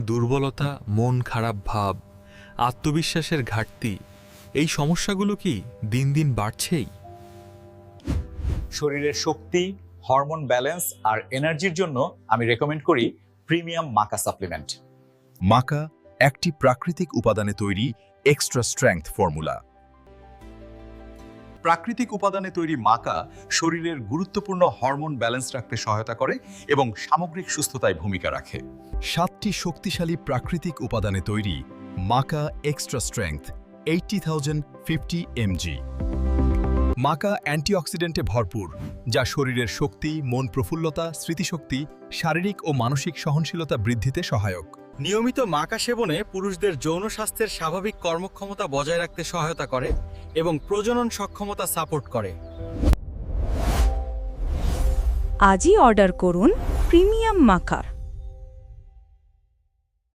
দুর্বলতা, মন খারাপ ভাব, আত্মবিশ্বাসের ঘাটতি, এই সমস্যাগুলো কি দিন দিন বাড়ছেই? শরীরের শক্তি, হরমোন ব্যালেন্স আর এনার্জির জন্য আমি রেকমেন্ড করি প্রিমিয়াম মাকা সাপ্লিমেন্ট। মাকা একটি প্রাকৃতিক উপাদানে তৈরি এক্সট্রা স্ট্রেংথ ফর্মুলা। প্রাকৃতিক উপাদানে তৈরি মাকা শরীরের গুরুত্বপূর্ণ হরমোন ব্যালেন্স রাখতে সহায়তা করে এবং সামগ্রিক সুস্থতায় ভূমিকা রাখে। 7টি শক্তিশালী প্রাকৃতিক উপাদানে তৈরি মাকা এক্সট্রা স্ট্রেংথ 80,050 mg। মাকা অ্যান্টিঅক্সিডেন্টে ভরপুর, যা শরীরের শক্তি, মন প্রফুল্লতা, স্মৃতিশক্তি, শারীরিক ও মানসিক সহনশীলতা বৃদ্ধিতে সহায়ক। নিয়মিত মাকা সেবনে পুরুষদের যৌন স্বাস্থ্যের স্বাভাবিক কর্মক্ষমতা বজায় রাখতে সহায়তা করে এবং প্রজনন সক্ষমতা সাপোর্ট করে। আজই অর্ডার করুন প্রিমিয়াম মাকার।